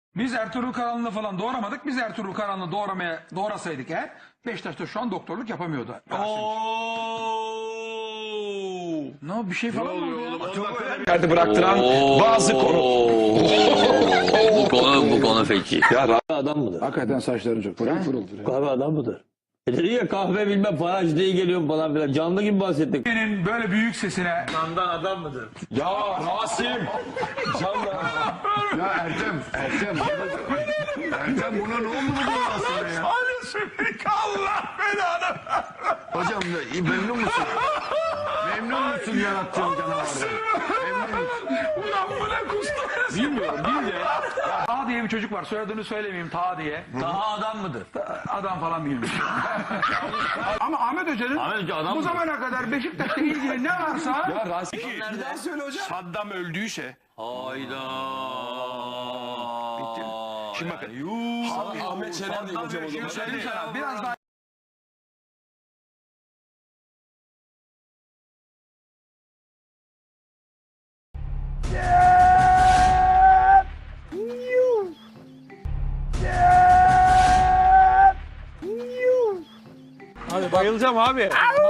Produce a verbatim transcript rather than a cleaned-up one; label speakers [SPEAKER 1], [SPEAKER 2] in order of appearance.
[SPEAKER 1] Biz Ertuğrul Karanlı'nı falan doğuramadık. Biz Ertuğrul Karanlı'nı doğuramaya doğrasaydık eğer Beşiktaş'ta şu an doktorluk yapamıyordu. Ne o, bir şey falan mı oldu ya?
[SPEAKER 2] Yerde bıraktıran bazı konu.
[SPEAKER 3] bu konu bu konu feci.
[SPEAKER 2] Ya
[SPEAKER 4] Adam mıdır?
[SPEAKER 5] Hakikaten saçların çok pırıl pırıldır ya.
[SPEAKER 4] Kahve adam mıdır? E dedi ya kahve bilmem faraj diye geliyorum falan filan. Canlı gibi bahsettik.
[SPEAKER 1] Senin böyle büyük sesine
[SPEAKER 4] Candan adam mıdır?
[SPEAKER 2] ya Rasim.
[SPEAKER 5] Ya Ertem, Ertem. Ertem buna ne oldu bu dünyasına ya?
[SPEAKER 1] Allah belanı.
[SPEAKER 5] Hocam memnun musun? Memnun musun yarattığın canavardan? Memnun musun?
[SPEAKER 1] Ulan bu ne kustu?
[SPEAKER 2] Bilmiyorum bil de.
[SPEAKER 1] Taha diye bir çocuk var. Soyadını söylemeyeyim, Taha diye.
[SPEAKER 4] Daha adam mıdır?
[SPEAKER 1] Adam falan değilmiş. Ama Ahmet Hoca'nın
[SPEAKER 4] Ahmet Hoca adam
[SPEAKER 1] bu
[SPEAKER 4] mıdır?
[SPEAKER 1] zamana kadar Beşiktaş'la ilgili ne varsa
[SPEAKER 2] Ya Rasim.
[SPEAKER 5] Bir daha söyle hocam.
[SPEAKER 2] Saddam öldüyse.
[SPEAKER 3] Hayda.
[SPEAKER 2] Bitti. Şimdi bakın. Ahmet Şener değil hocam o zaman.
[SPEAKER 1] söyleyeyim sana biraz daha
[SPEAKER 4] Bayılacağım abi.